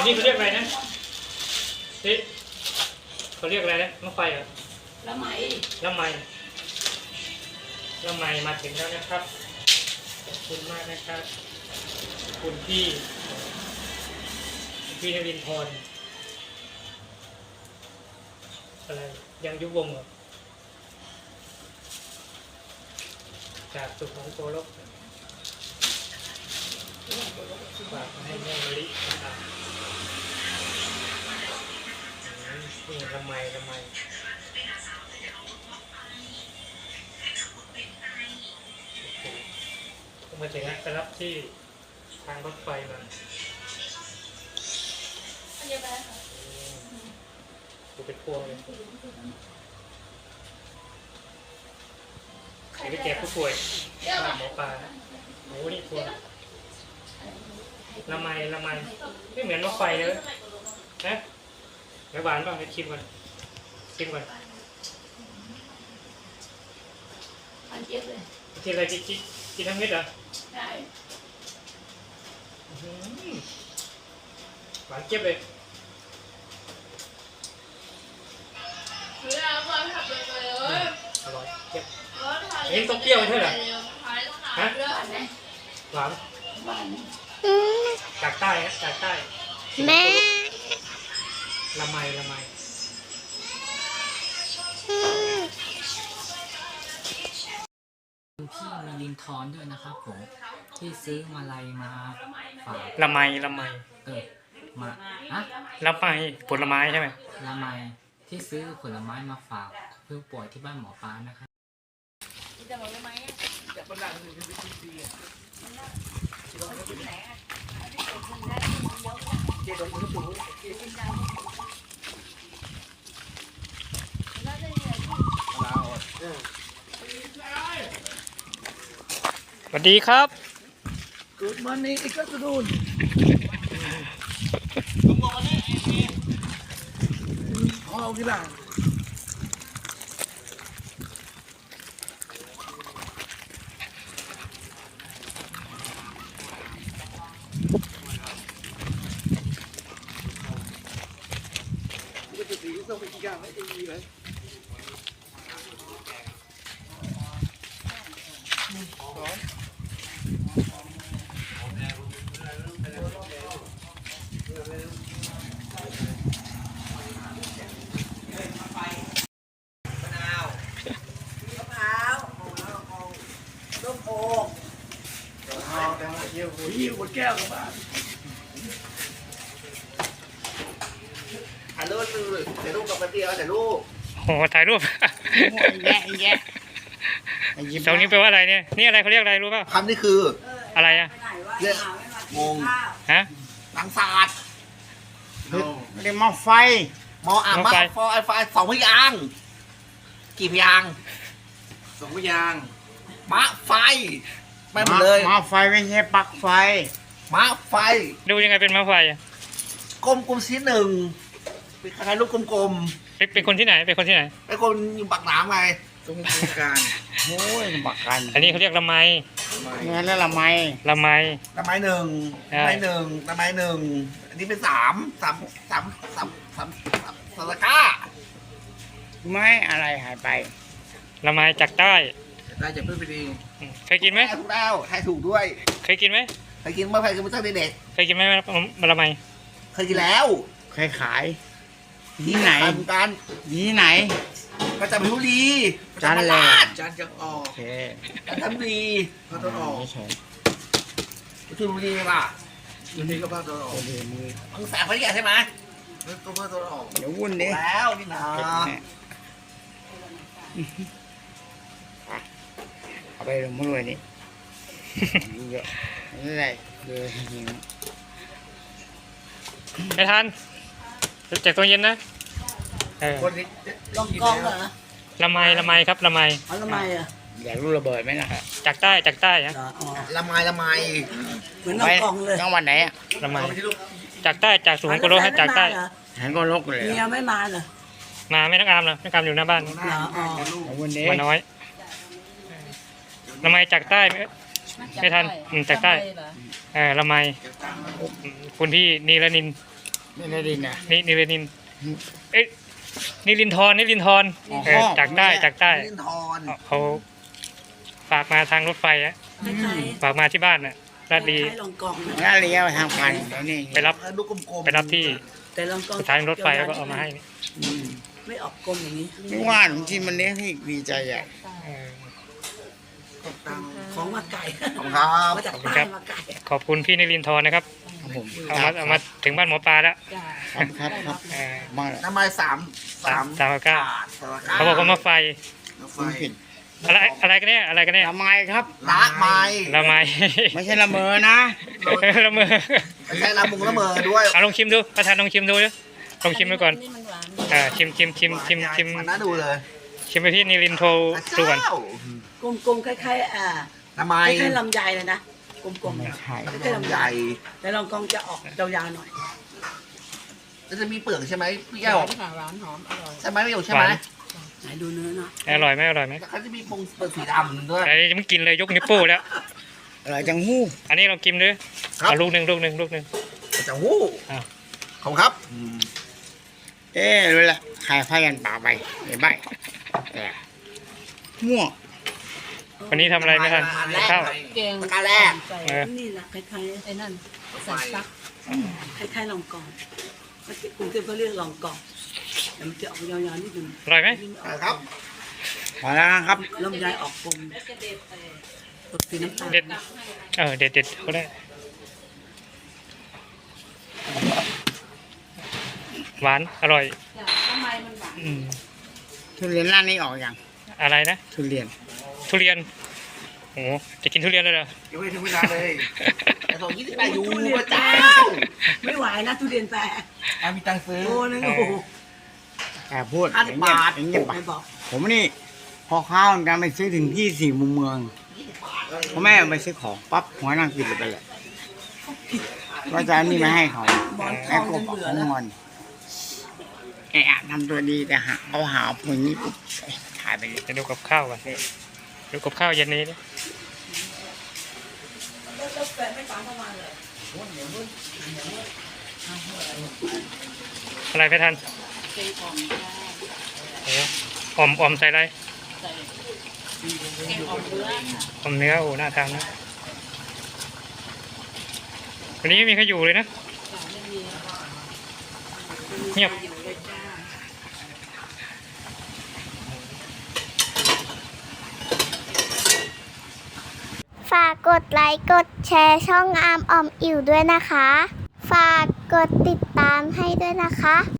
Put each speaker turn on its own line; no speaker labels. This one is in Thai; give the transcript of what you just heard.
นี่เขาเรียกอะไรนะที่เขาเรียกอะไรนะมะไฟเหรอละไมละไมละไมมาถึงแล้วนะครับขอบคุณมากนะครับคุณพี่นรินทร์อะไรยังยุบวงเหรอจากสุของโกลกฝากให้แม่มะลินะครับนี่ละไมมาถึงแล้วจะรับที่ทางรถไฟมาดูเป็นพวงเลยไปแจกผู้ป่วยหมอปลาโอ้นี่พวงละไมไม่เหมือนรถไฟเลยนะเดี๋ยวหวานบ้างให้ชิมก่อนกินอะไรกินทั้งเม็ดเหรอใช่หวานเจี๊ยบเลยอร่อยเจี๊ยบนี่ต้องเปรี้ยวใช่ไหมฮะหวานจากใต้ฮะจากใต้
แม่
ละไม
พี่มีลินทอนด้วยนะครับผมที่ซื้อมาลัยมาฝาก
ละไม
มาอะ
ละไมผลไม้ใช่ไหม
ละไมที่ซื้อผลไม้มาฝากเพื่อป่วยที่บ้านหมอปลานะครับ
สวัสดีครับ
Good morning, good afternoon. Oh, gila. Cái gì xong mình ra mấy cái gì vậy? Nhiều một keo các bạn.ถ่ายรูปกับมันเดียวถ่ายรูป
โอ้ถ่ายรูป
แย่
ตรงนี้แปลว่าอะไรเนี่ยนี่อะไรเขาเรียกอะไรรู้ป่ะ
คำนี้คือ
อะไรอะ
เรียกงง
ฮะ
ตังศาสตร์
เรียกหม้อไฟ
มออ่ะมาฟอไฟสองพยางค์กี่พยางค์สองพยางค์มะไฟไม่หมดเลย
หม้อไฟไม่ใช่ปลั๊กไฟ
มะไฟ
ดูยังไงเป็นมะไฟอะ
กลมชิ้นหนึ่งเป็นคล้ายๆลูกกลม
เป็นคนที่ไหนเป็นคนที่ไหน
ๆไอ้คนอยู่ปากหนามไงตรงกลาง
โอ้ยบักกัน
อันนี้เขาเรียกละไม
เงินแล้วละไม
ละไม
ละไม้หนึ่งละไม้หนึ่งอันนี้เป็นสามสารก้า
ไม่อะไรหายไป
ละไมจากใต้
ได้จากเพื่อนไปดี
เคยกินไหม
ถูกแล้วให้ถูกด้วย
เคยกินไหม
เคยกินเมื่อไหร่คือตั้งแต่เด็ก
เคยกินไหมละไม
เคยกินแล้ว
ใครขายที่ไหน
ทำกัน
ที่ไหน
ประจำพิบุรี
จันแหล
จันทร์จะออก
โอเค
จันทบุรีภาคตะวันออก
ไม่ใช่
ชลบุรีป่ะชลบุรีก็ภาคตะวันออก
โอเคมือบ
างแสนพัทยาใช่ไหมก็ภาคตะวันออก
เดี๋ยววุ่นดิ
แล้วนี่นะ
เอาไปลงมือนี่เยอะนี่อะไรเลยหิว
ไม่ทันจากตัวเย็นนะ
คนนี้
ลองกองเหรอ
ละไมครับละไม
เอาทำไมอ่ะ
อยากรู้ระเบิดไหมล่ะ
จากใต้ฮะ
อ๋อ
ละไม
เหมือนลองกองเลย
จังหวัดไหนอ่ะ
ละไมจากใต้จากสุของโกลกให้จากใต้
หันก็ลกเลย
เมียไม่มาเหรอ
มาไม่นักอามเหรอนักอามอยู่หน้าบ้าน
เหรออ๋อ
เอาวุ่นดิ
มาน้อยละไมจากใต้ไม่ทันจากใต้ละไมคุณพี่นีรนิน
นี่ในดินนะ
นี่นิรินทร์เอ๊ะนิรินทร์
อ๋อ
จากใต้
ลินทร
เขาฝากมาทางรถไฟอะ
คล้าย
ฝากมาที่บ้านน่ะ
ๆ
ราช
ค
ดี
ล้ายๆลองกองนะ
แล้วเลี้ยวทางพันแล้วนี่
ไปรับ
ลูกกลมๆ
ไปรับที่
แต่ลองกอง
สถานีรถไฟแล้วก็เอามาให้นี่
ไม่ออกกลมอย่างนี้
ไม่ว่าหนูกินมันเลี้ยงให้ดีใจอ่ะ
เออ
ของมาไก่
ขอบคุณครับ
มาจาก
ขอบคุณ
ใต้
ครับ
มาไก่
ขอบคุณพี่นิรินทร์นะครับ
ครับผม
เอามาถึงบ้านหมอปลาแล้ว
ครับ
เออ
มาแล้ว
น้ำมันสาม
สามเก้า เขาบอกว่ามาไฟ
ไฟ
คุณผิด
อะไรกันเนี่ย
ละไมครับ
ละไม้
ละไม
ไม่ใช่ละเมอนะ
ละเมอ
ไม่ใช่ละมุงละเมอด้วย
เอาลองชิมดูประธานลองชิมดูดิลองชิมดูก่อนชิม
มันน่าดูเลย
ชิมไปที่นิรินทร์ดูก่อน
กลมๆคล้ายๆ
ละไม้
คล้ายๆลำไยเลยนะกลมๆ
ไม่
นะ
ใช่
คล้ายๆลำ
ให
ไย
ญ่
แต่ลองกองจะออกยาวๆหน่อย
แล้วจะมีเปลือกใช่ไหมพี่แก้ว
หวานหอมอร่อย
ใช่ไหมไม่อยู่ใช่ไหม
ไหนดูเนื้อเนาะ
อร่อยไหม
แล้วเขาจะมีปงเปลือกสีดำด้วย
ไอ้ยังไม่กินเลยยกนิ้วโป้แล้ว
อะไรจังหู้
อันนี้เรากินด้วย
ครับ
เอาลูกหนึ่ง
จะหู้
อ้าว
ขอบคุณครับ
เอ๊ะรู้ละใครพายันป่าไปไอ้ใบแต่มั่ว
วันนี้ทำอะไรไม่ทันข้าว
แกง
ประการแรก
ใส่
เออ
นี่แหละคล้ายๆไอ้นั่นใส่ซักคล้ายๆลองกองเมื่อกี้กรุงเทพเขาเรียกลองกองแต่มันจะออกยาวๆนิดนึง
อร่อยไหม
ครับ
พอแล้วครับ
ลำไยออกกลมตกสีน้ำตาล
เด็ดเด็ดก็ได้หวานอร่อย
ทำไมมันหวาน
อืม
ทุเรียนร้านนี้ออกยัง
อะไรนะ
ทุเรียน
ทุเรียนโอ้โหจะกินทุเรียนเลยเหรอ
ยังไม่ถึงเวลาเลยแต่ส่ง28ยู
ทุเรียน
พระ
แปล
เจ้า
ไม่ไหวนะทุเรียนแปล
มีตังค์ซื้อ
โอ้นึงโอ้โห
แต่พูด
50
อย่างเงีย
บาท
อย่างเงียบไป
ไม่บอก
ผมนี่พอข้าวการไปซื้อถึงที่สี่มุมเมืองพอแม่ไปซื้อของปั๊บหัวนั่งกินเลยไปเลยว่าจะเอานี่มาให้เขา
หมอนท
แม่
อง
ก็
จน
บอก
เบื่อ
ของ
แล้ว
งอนแอะทำตัวดีแต่หาผมอย่างนี้ปุ๊บถ่ายไปเลย
จะดูกับข้าวกันดูกับข้าวเย็นนี้ดิ
แล้วแฟนไม่ฟังเข้ามาเลย
อะไรไม่ทัน
เป็นของ
โอ้ออมใส่อะไร
แกงออกเนื้อค่ะ
ออมเนื้อโอ้น่าทานนะวันนี้ไม่มีใครอยู่เลยนะ
ไม่มี
เงียบ
อยู่เลยจ้า
ฝากกดไลค์กดแชร์ช่องอามออมอิ่วด้วยนะคะ ฝากกดติดตามให้ด้วยนะคะ